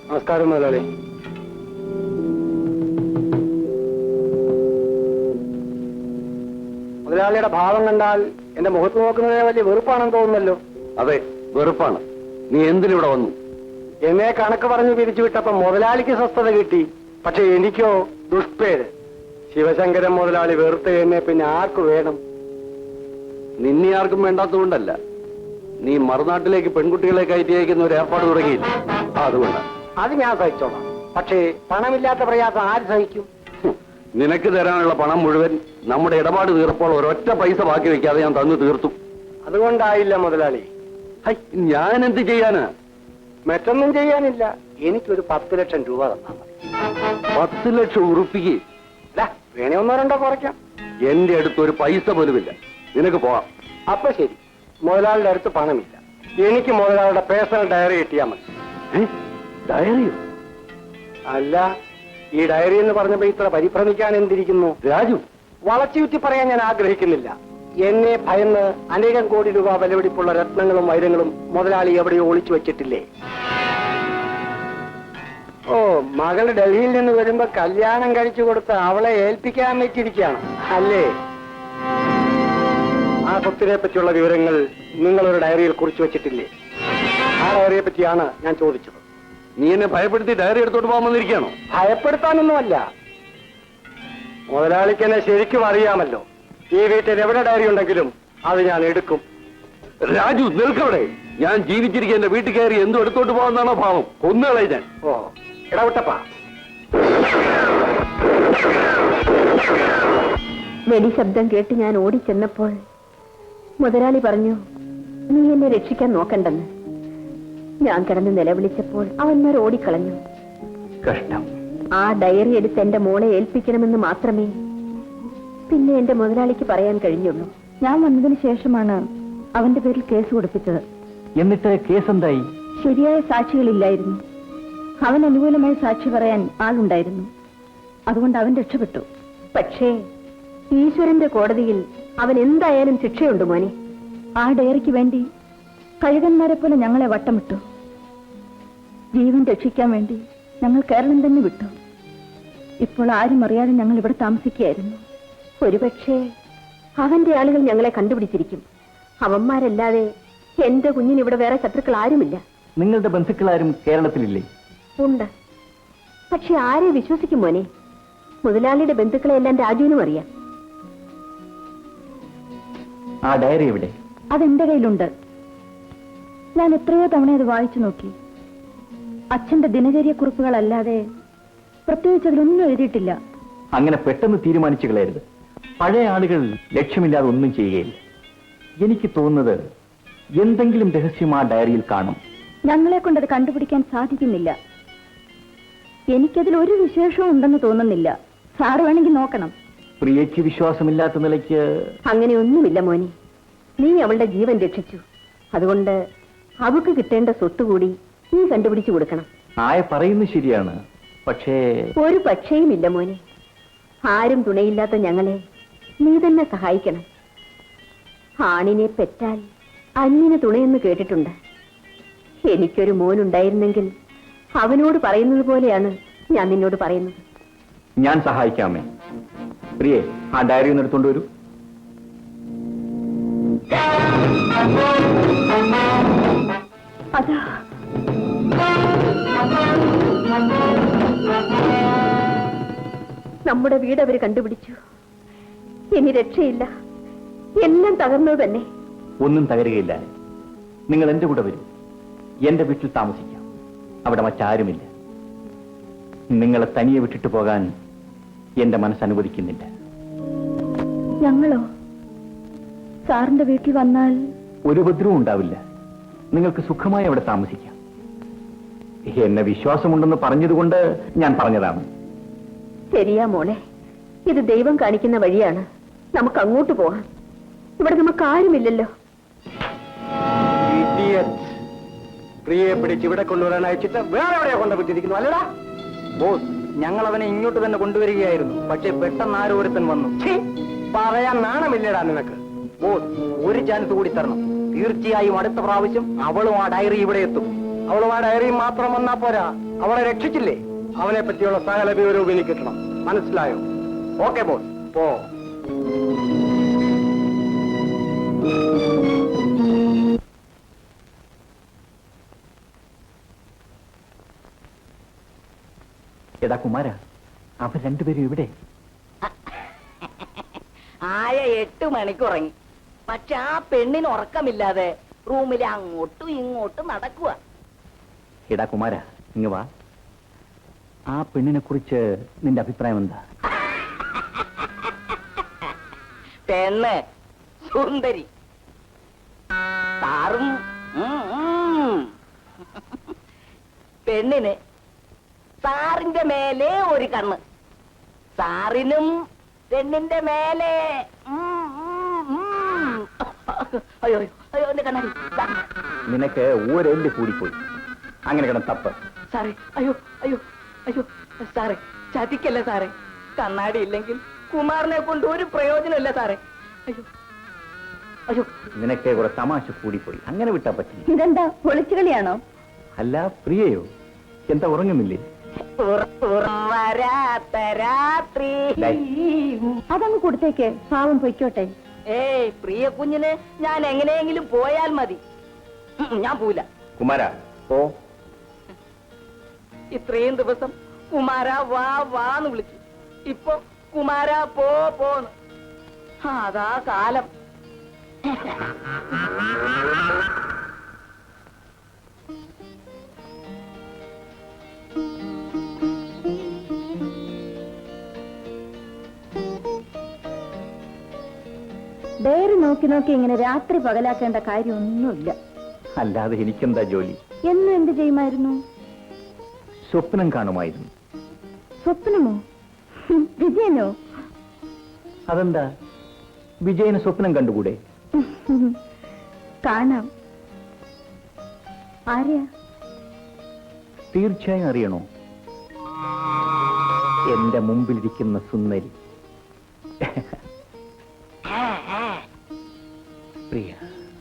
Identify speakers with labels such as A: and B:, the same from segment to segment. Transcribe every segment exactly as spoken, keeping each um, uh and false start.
A: നമസ്കാരം മുതലാളി. മുതലാളിയുടെ ഭാവം കണ്ടാൽ എന്റെ മുഖത്ത് നോക്കുന്നതിനെ വലിയ വെറുപ്പാണെന്ന് തോന്നുന്നല്ലോ.
B: അതെ, വെറുപ്പാണ്. നീ എന്തിനിവിടെ വന്നു?
A: എന്നെ കണക്ക് പറഞ്ഞു പിരിച്ചുവിട്ടപ്പോ മുതലാളിക്ക് സ്വസ്ഥത കിട്ടി, പക്ഷെ എനിക്കോ ദുഷ്പേര്. ശിവശങ്കരൻ മുതലാളി വെറുത്ത് എന്നെ പിന്നെ ആർക്കു വേണം?
B: നിന്നെ ആർക്കും വേണ്ടാത്തതുകൊണ്ടല്ല, നീ മറുനാട്ടിലേക്ക് പെൺകുട്ടികളെ കയറ്റി അയക്കുന്ന ഒരു ഏർപ്പാട് തുടങ്ങിയില്ല, അതുകൊണ്ടാണ്.
A: അത് ഞാൻ സഹിച്ചോളാം, പക്ഷേ പണമില്ലാത്ത പ്രയാസം ആര് സഹിക്കും?
B: നിനക്ക് തരാനുള്ള പണം മുഴുവൻ നമ്മുടെ ഇടപാട് തീർപ്പോൾ ഒരൊറ്റ പൈസ ബാക്കി വെക്കാതെ ഞാൻ തന്നു തീർത്തു.
A: അതുകൊണ്ടായില്ല മുതലാളി.
B: ഞാൻ എന്ത് ചെയ്യാനാ?
A: മറ്റൊന്നും ചെയ്യാനില്ല, എനിക്കൊരു പത്ത് ലക്ഷം രൂപ തന്നാൽ മതി.
B: പത്ത് ലക്ഷം ഉറുപ്പിക്ക്
A: വേണേ ഒന്നോ രണ്ടോ കുറയ്ക്കാം.
B: എന്റെ അടുത്ത് ഒരു പൈസ പോലുമില്ല, നിനക്ക് പോവാം.
A: അപ്പൊ ശരി, മുതലാളിയുടെ അടുത്ത് പണമില്ല, എനിക്ക് മുതലാളിയുടെ പേഴ്സണൽ ഡയറി കിട്ടിയാൽ മതി.
B: ഡയറിയോ?
A: അല്ല, ഈ ഡയറി എന്ന് പറഞ്ഞപ്പോ ഇത്ര പരിഭ്രമിക്കാൻ എന്തിരിക്കുന്നു?
B: രാജു,
A: വളച്ചുചുറ്റി പറയാൻ ഞാൻ ആഗ്രഹിക്കുന്നില്ല. എന്നെ ഭയന്ന് അനേകം കോടി രൂപ വിലപിടിപ്പുള്ള രത്നങ്ങളും വൈരങ്ങളും മുതലാളി എവിടെയോ ഒളിച്ചു വെച്ചിട്ടില്ലേ? ഓ, മകൾ ഡൽഹിയിൽ നിന്ന് വരുമ്പോ കല്യാണം കഴിച്ചു കൊടുത്ത് അവളെ ഏൽപ്പിക്കാൻ വെച്ചിരിക്കുകയാണ് അല്ലേ? ആ സ്വത്തിനെ പറ്റിയുള്ള വിവരങ്ങൾ നിങ്ങളൊരു ഡയറിയിൽ കുറിച്ചു വെച്ചിട്ടില്ലേ? ആ ഡയറിയെ പറ്റിയാണ് ഞാൻ ചോദിച്ചത്.
B: നീ എന്നെ ഭയപ്പെടുത്തി ഡയറി എടുത്തോട്ട് പോകാൻ വന്നിരിക്കുകയാണോ?
A: ഭയപ്പെടുത്താനൊന്നുമല്ല, മുതലാളിക്ക് എന്നെ ശരിക്കും അറിയാമല്ലോ. ഈ വീട്ടിൽ എവിടെ ഡയറി ഉണ്ടെങ്കിലും അത് ഞാൻ എടുക്കും.
B: രാജു, നിൽക്കവിടെ. ഞാൻ ജീവിച്ചിരിക്കുക എന്റെ വീട്ടിൽ കയറി എന്തും എടുത്തോട്ട് പോകാന്നാണോ ഭാവം? കൊന്നുകളെ ഞാൻ.
A: ഓ, ഇടവിട്ടപ്പാ.
C: വെടി ശബ്ദം കേട്ട് ഞാൻ ഓടിച്ചെന്നപ്പോൾ മുതലാളി പറഞ്ഞു, നീ എന്നെ രക്ഷിക്കാൻ നോക്കണ്ടെന്ന്. ഞാൻ കിടന്ന് നിലവിളിച്ചപ്പോൾ അവന്മാർ ഓടിക്കളഞ്ഞു.
B: കഷ്ടം.
C: ആ ഡയറി എടുത്ത് എന്റെ മോളെ ഏൽപ്പിക്കണമെന്ന് മാത്രമേ പിന്നെ എന്റെ മുതലാളിക്ക് പറയാൻ കഴിഞ്ഞുള്ളൂ. ഞാൻ വന്നതിന് ശേഷമാണ് അവന്റെ പേരിൽ കേസ് കൊടുപ്പിച്ചത്.
D: എന്നിട്ട് കേസ് എന്തായി?
C: ശരിയായ സാക്ഷികളില്ലായിരുന്നു. അവൻ അനുകൂലമായി സാക്ഷി പറയാൻ ആളുണ്ടായിരുന്നു, അതുകൊണ്ട് അവൻ രക്ഷപ്പെട്ടു. പക്ഷേ ഈശ്വരന്റെ കോടതിയിൽ അവൻ എന്തായാലും ശിക്ഷയുണ്ട് മോനെ. ആ ഡയറിക്ക് വേണ്ടി കഴുകന്മാരെ പോലെ ഞങ്ങളെ വട്ടമിട്ടു. ജീവൻ രക്ഷിക്കാൻ വേണ്ടി ഞങ്ങൾ കേരളം തന്നെ വിട്ടു. ഇപ്പോൾ ആരും അറിയാതെ ഞങ്ങൾ ഇവിടെ താമസിക്കുകയായിരുന്നു. ഒരുപക്ഷെ അവന്റെ ആളുകൾ ഞങ്ങളെ കണ്ടുപിടിച്ചിരിക്കും. അവന്മാരല്ലാതെ എന്റെ കുഞ്ഞിന് ഇവിടെ വേറെ ശത്രുക്കൾ ആരുമില്ല.
D: നിങ്ങളുടെ ബന്ധുക്കളാരും കേരളത്തിലില്ലേ?
C: ഉണ്ട്, പക്ഷെ ആരെ വിശ്വസിക്കും മോനെ? മുതലാളിയുടെ ബന്ധുക്കളെ എല്ലാം രാജുവിനും അറിയാം.
D: ആ ഡയറി എവിടെ?
C: അതെന്റെ കയ്യിലുണ്ട്. ഞാൻ എത്രയോ തവണ അത് വായിച്ചു നോക്കി. അച്ഛന്റെ ദിനചര്യ കുറിപ്പുകളല്ലാതെ പ്രത്യേകിച്ച് അതിലൊന്നും എഴുതിയിട്ടില്ല.
D: അങ്ങനെ പെട്ടെന്ന് തീരുമാനിച്ചു കളയരുത്. പഴയ ആളുകൾ ലക്ഷ്യമില്ലാതെ ഒന്നും ചെയ്യുകയില്ല. എനിക്ക് തോന്നുന്നത് എന്തെങ്കിലും രഹസ്യം ആ ഡയറിയിൽ കാണും.
C: ഞങ്ങളെ കൊണ്ടത് കണ്ടുപിടിക്കാൻ സാധിക്കുന്നില്ല. എനിക്കതിൽ ഒരു വിശേഷവും ഉണ്ടെന്ന് തോന്നുന്നില്ല. സാറ് വേണമെങ്കിൽ നോക്കണം.
D: പ്രിയയ്ക്ക് വിശ്വാസമില്ലാത്ത നിലയ്ക്ക്
C: അങ്ങനെയൊന്നുമില്ല മോനെ. നീ അവളുടെ ജീവൻ രക്ഷിച്ചു, അതുകൊണ്ട് അവൾക്ക് കിട്ടേണ്ട സ്വത്ത് കൂടി നീ കണ്ടുപിടിച്ചു കൊടുക്കണം.
D: ആയ പറയുന്നത് ശരിയാണ്, പക്ഷേ
C: ഒരു പക്ഷേയും ഇല്ല മോനെ. ആരും തുണയില്ലാത്ത ഞങ്ങളെ നീ തന്നെ സഹായിക്കണം. ആണിനെ പെറ്റാൽ അന്യന് തുണയെന്ന് കേട്ടിട്ടുണ്ട്. എനിക്കൊരു മോനുണ്ടായിരുന്നെങ്കിൽ അവനോട് പറയുന്നത് പോലെയാണ് ഞാൻ നിന്നോട് പറയുന്നത്.
D: ഞാൻ സഹായിക്കാമേ. പ്രിയേ, ആ ഡയറി ഒന്ന് എടുത്തോണ്ട് വരൂ.
C: അതാ നമ്മുടെ വീട് അവര് കണ്ടുപിടിച്ചു. ഇനി രക്ഷയില്ല, എല്ലാം തകർന്നത് തന്നെ.
D: ഒന്നും തകരുകയില്ല. നിങ്ങൾ എന്റെ കൂടെ വരൂ. എന്റെ വീട്ടിൽ താമസിക്കാം. അവിടെ മറ്റാരുമില്ല. നിങ്ങളെ തനിയെ വിട്ടിട്ട് പോകാൻ എന്റെ മനസ്സ് അനുവദിക്കുന്നില്ല.
C: ഞങ്ങളോ? സാറിന്റെ വീട്ടിൽ വന്നാൽ
D: ഒരു ഉപദ്രവവും ഉണ്ടാവില്ല. നിങ്ങൾക്ക് സുഖമായി അവിടെ താമസിക്കാം. എന്നെ വിശ്വാസമുണ്ടെന്ന് പറഞ്ഞതുകൊണ്ട് ഞാൻ പറഞ്ഞതാണ്.
C: ശരിയാ മോളെ, ഇത് ദൈവം കാണിക്കുന്ന വഴിയാണ്. നമുക്ക് അങ്ങോട്ട് പോകാം. ഇവിടെ നമുക്ക് ആരുമില്ലല്ലോ.
A: പ്രിയയെ പിടിച്ച് ഇവിടെ കൊണ്ടുവരാൻ അയച്ചിട്ട് വേറെ എവിടെയാ കൊണ്ടുപോയിട്ടിരിക്കുന്നു അല്ലടാ?
E: ബോസ്, ഞങ്ങൾ അവനെ ഇങ്ങോട്ട് തന്നെ കൊണ്ടുവരികയായിരുന്നു. പക്ഷെ പെട്ടെന്ന് ആരോരുത്തൻ വന്നു.
A: പറയാൻ നാണമില്ലടാ നിനക്ക്?
E: ബോസ്, ഒരു ചാൻസ് കൂടി തരണം. തീർച്ചയായും അടുത്ത പ്രാവശ്യം അവളും ആ ഡയറി ഇവിടെ എത്തും.
A: അവളും ആ ഡയറിയും മാത്രം വന്നാ പോരാ, അവളെ രക്ഷിച്ചില്ലേ? അവനെ പറ്റിയുള്ള സകല വിവരവും എനിക്ക് കിട്ടണം. മനസ്സിലായോ? ഓക്കെ ബോസ്, പോ.
D: എടാ കുമാര, അവർ രണ്ടുപേരും ഇവിടെ.
F: ആയ എട്ട് മണിക്ക് ഉറങ്ങി. പക്ഷെ ആ പെണ്ണിന് ഉറക്കമില്ലാതെ റൂമിൽ അങ്ങോട്ടും ഇങ്ങോട്ടും നടക്കുക.
D: എടാ കുമാര, ഇങ്ങ് വാ. ആ പെണ്ണിനെ കുറിച്ച് നിന്റെ അഭിപ്രായം എന്താ?
F: പെണ്ണ് സുന്ദരി, സാറും ഉം, ഉം. പെണ്ണിന് സാറിന്റെ മേലെ ഒരു കണ്ണ്, സാറിനും പെണ്ണിന്റെ മേലെ ഉം, ഉം, ഉം. അയ്യോ അയ്യോ എന്റെ കണ്ണാടി.
D: നിനക്ക് ഒരെല്ല് കൂടിപ്പോയി. അങ്ങനെ കിടന്ന് തപ്പ്.
F: സാറേ, അയ്യോ അയ്യോ അയ്യോ സാറേ, ചതിക്കല്ലേ സാറേ. കണ്ണാടി ഇല്ലെങ്കിൽ കുമാറിനെ കൊണ്ട് ഒരു പ്രയോജനമില്ല സാറേ. അയ്യോ അയ്യോ
D: നിനക്ക് കുറെ തമാശ കൂടിപ്പോയി. അങ്ങനെ വിട്ടാ പറ്റില്ല.
C: ഇതെന്താ ഒളിച്ചുകളിയാണോ?
D: അല്ല, പ്രിയയോ? എന്താ ഉറങ്ങുന്നില്ലേ?
F: വരാത്ത രാത്രി.
C: അതങ്ങ് കൊടുത്തേക്ക്, പാവം പൊയ്ക്കോട്ടെ.
F: ഏയ് പ്രിയ കുഞ്ഞിന് ഞാൻ എങ്ങനെയെങ്കിലും പോയാൽ മതി. ഉം, ഞാൻ പോവില്ല.
D: കുമാര, ഓ.
F: ഇത്രയും ദിവസം കുമാര വാ വാന്ന് വിളിച്ചു, ഇപ്പൊ കുമാര പോ പോന്ന്. അതാ കാലം.
C: ഡയറി നോക്കി നോക്കി ഇങ്ങനെ രാത്രി പകലാക്കേണ്ട കാര്യമൊന്നുമില്ല.
D: അല്ലാതെ എനിക്കെന്താ ജോലി?
C: എന്നും എന്ത് ചെയ്യുമായിരുന്നു?
D: സ്വപ്നം കാണുമായിരുന്നു.
C: സ്വപ്നമോ? ഹും, വിജയനോ?
D: അതെന്താ, വിജയന് സ്വപ്നം കണ്ടുകൂടെ?
C: കാണാം. ആര്യാ?
D: തീർച്ചയായും അറിയണോ? എന്റെ മുമ്പിലിരിക്കുന്ന സുന്ദരി പ്രിയ.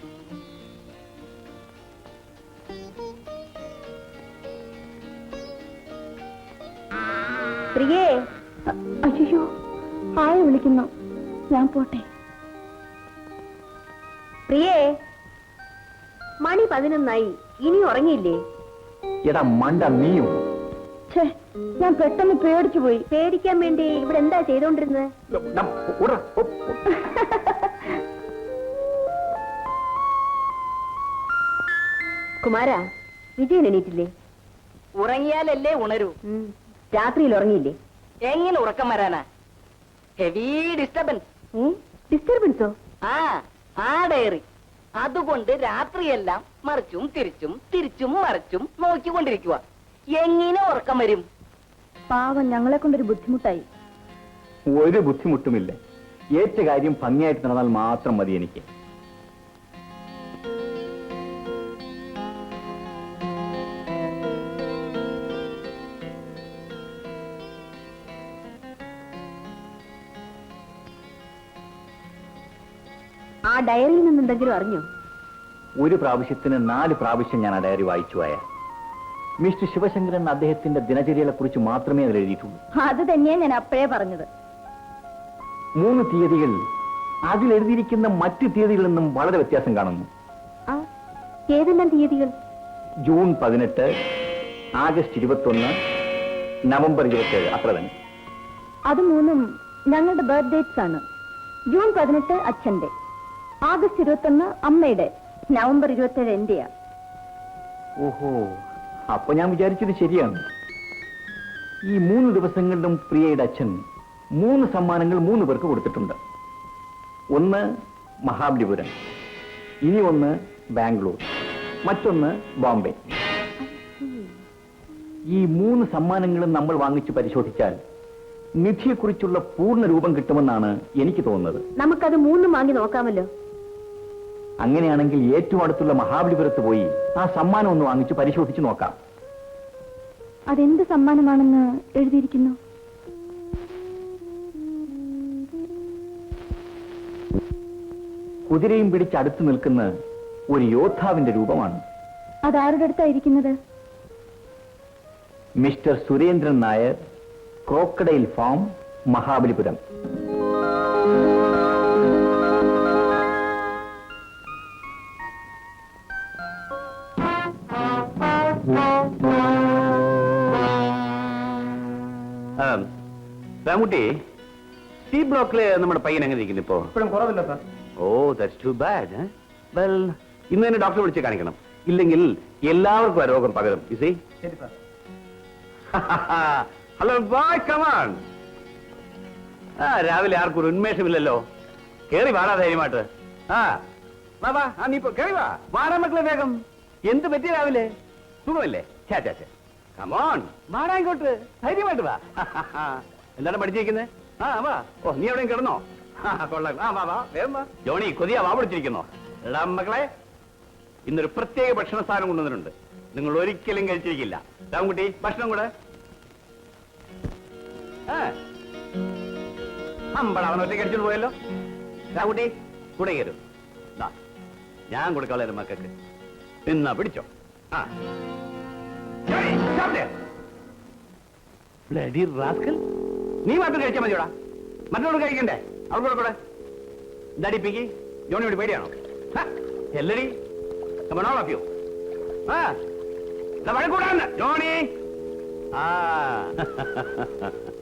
C: പ്രിയേ. അയ്യോ, ആരെ വിളിക്കുന്നു? ഞാൻ പോട്ടെ. പ്രിയേ, മണി പതിനൊന്നായി, ഇനി ഉറങ്ങിയില്ലേ?
D: എടാ മണ്ട, നീയോ?
C: ഛേ, ഞാൻ പെട്ടെന്ന് പേടിച്ചു പോയി. പേടിക്കാൻ വേണ്ടി ഇവിടെ എന്താ ചെയ്തോണ്ടിരുന്നത്? കുമാര, വിജയൻ എണീറ്റില്ലേ?
F: ഉറങ്ങിയാലല്ലേ ഉണരൂ.
C: രാത്രിയിൽ ഉറങ്ങിയില്ലേ?
F: എങ്ങനെ ഉറക്കം വരാനാ? Heavy disturbance.
C: ഡിസ്റ്റർബൻസോ?
F: ആ ആ ഡയറി അതുകൊണ്ട് രാത്രിയെല്ലാം മറിച്ചും തിരിച്ചും തിരിച്ചും മറിച്ചും നോക്കിക്കൊണ്ടിരിക്കുക. എങ്ങനെ ഉറക്കം വരും?
C: പാവം, ഞങ്ങളെ കൊണ്ടൊരു ബുദ്ധിമുട്ടായി.
D: ഒരു ബുദ്ധിമുട്ടുമില്ല. ഏറ്റ കാര്യം ഭംഗിയായിട്ട് നടന്നാൽ മാത്രം മതി എനിക്ക്.
C: ആ ഡയറിയിൽ നിന്ന് എന്തെങ്കിലും അറിഞ്ഞോ?
D: ഒരു പ്രാവശ്യത്തിന് നാല് പ്രാവശ്യം ഞാൻ ആ ഡയറി വായിച്ചു പോയ. മിസ്റ്റർ ശിവശങ്കരൻ അദ്ദേഹത്തിന്റെ ദിനചര്യകളെ കുറിച്ച് മാത്രമേ അതിൽ എഴുതിയിട്ടുള്ളൂ.
C: അത് തന്നെയാ ഞാൻ അപ്പോഴേ പറഞ്ഞത്.
D: മൂന്ന് തീയതികൾ അതിൽ എഴുതിയിരിക്കുന്ന മറ്റ് തീയതികളിൽ നിന്നും വളരെ വ്യത്യാസം കാണുന്നു.
C: ആ, ഏതെല്ലാം തീയതികൾ?
D: ജൂൺ പതിനെട്ട്, ആഗസ്റ്റ് ഇരുപത്തൊന്ന്, നവംബർ ഇരുപത്തിയേഴ്, അത്ര തന്നെ.
C: അത് മൂന്നും ഞങ്ങളുടെ ബർത്ത്ഡേറ്റ്സ് ആണ്. ജൂൺ പതിനെട്ട് അച്ഛന്റെ, ആഗസ്റ്റ് ഇരുപത്തൊന്ന് അമ്മയുടെ, നവംബർ ഇരുപത്തിയേഴ് എന്റെയാ.
D: ഓഹോ, അപ്പൊ ഞാൻ വിചാരിച്ചത് ശരിയാണ്. ഈ മൂന്ന് ദിവസങ്ങളിലും പ്രിയയുടെ അച്ഛൻ മൂന്ന് സമ്മാനങ്ങൾ മൂന്ന് പേർക്ക് കൊടുത്തിട്ടുണ്ട്. ഒന്ന് മഹാബലിപുരം, ഇനി ഒന്ന് ബാംഗ്ലൂർ, മറ്റൊന്ന് ബോംബെ. ഈ മൂന്ന് സമ്മാനങ്ങളും നമ്മൾ വാങ്ങിച്ചു പരിശോധിച്ചാൽ നിധിയെക്കുറിച്ചുള്ള പൂർണ്ണ രൂപം കിട്ടുമെന്നാണ് എനിക്ക് തോന്നുന്നത്.
C: നമുക്കത് മൂന്നും വാങ്ങി നോക്കാമല്ലോ.
D: അങ്ങനെയാണെങ്കിൽ ഏറ്റവും അടുത്തുള്ള മഹാബലിപുരത്ത് പോയി ആ സമ്മാനം ഒന്ന് വാങ്ങിച്ച് പരിശോധിച്ച് നോക്കാം.
C: അതെന്ത് സമ്മാനമാണെന്ന് എഴുതിയിരിക്കുന്നു?
D: കുതിരയും പിടിച്ച് അടുത്ത് നിൽക്കുന്ന ഒരു യോദ്ധാവിന്റെ രൂപമാണ്.
C: അതാരുടെ അടുത്തായിരിക്കുന്നത്?
D: Mister Surendran Nair, crocodile farm, Mahabalipuram.
B: Ramutty, C ബ്ലോക്കില് നമ്മുടെ പയ്യൻ എങ്ങനെ ഇരിക്കുന്നു ഇപ്പോ?
A: ഇപ്പോഴും കുറവില്ല സാർ.
B: ഓ, ദാറ്റ്സ് ടു ബാഡ്. വെൽ, ഇന്ന് തന്നെ ഡോക്ടറെ വിളിച്ച് കാണിക്കണം. ഇല്ലെങ്കിൽ എല്ലാവർക്കും ആ രോഗം പകരും. You see?
A: ശരി സാർ.
B: Hello boy, come on. ആ, രാവിലെ ആർക്കും ഒരു ഉന്മേഷമില്ലല്ലോ. കേറി വാടാ ധൈര്യമായിട്ട്. ആ വാ വാ, ആ നീ കേറി വാ. വാടാ മക്കളെ വേഗം. എന്ത് പറ്റി രാവിലെ? സുഖമല്ലേ? ചാ ചാ ചാ. കമോൺ, വാടാ ഇങ്ങോട്ട്. ധൈര്യമായിട്ട് വാ. എന്താണ് പഠിച്ചിരിക്കുന്നത്? ആ വാ. ഓ, നീ എവിടെയും കിടന്നോ? കൊള്ളാം. ആ വാ വാ, വേഗം വാ. ജോണി, കൊതിയാ വാ പിടിച്ചിരിക്കുന്നോ? എടാ മക്കളെ, ഇന്നൊരു പ്രത്യേക ഭക്ഷണ സാധനം കൊണ്ടുവന്നിട്ടുണ്ട്. നിങ്ങൾ ഒരിക്കലും കഴിച്ചിരിക്കില്ല. രാമൻകുട്ടി, ഭക്ഷണം കൂടെ. അമ്പട, അവൻ ഒറ്റ കഴിച്ചിട്ട് പോയല്ലോ. രാമൻകുട്ടി, കൂടെ കയറും. ഞാൻ കൊടുക്കാളെ മക്കൾക്ക്. എന്നാ പിടിച്ചോ. ആ ബ്ലഡി റാസ്കൽ, നീ മാത്രം കഴിച്ചാൽ മതിയോടാ. മറ്റോട് കഴിക്കണ്ടേ? അവിടെ കൂടെ എന്താടി പിങ്കി, ജോണിയോട് പേടിയാണോ? എല്ലടി, കമണോളാപ്പിയോ? ആ വഴക്കൂടാന്ന് ജോണി. ആ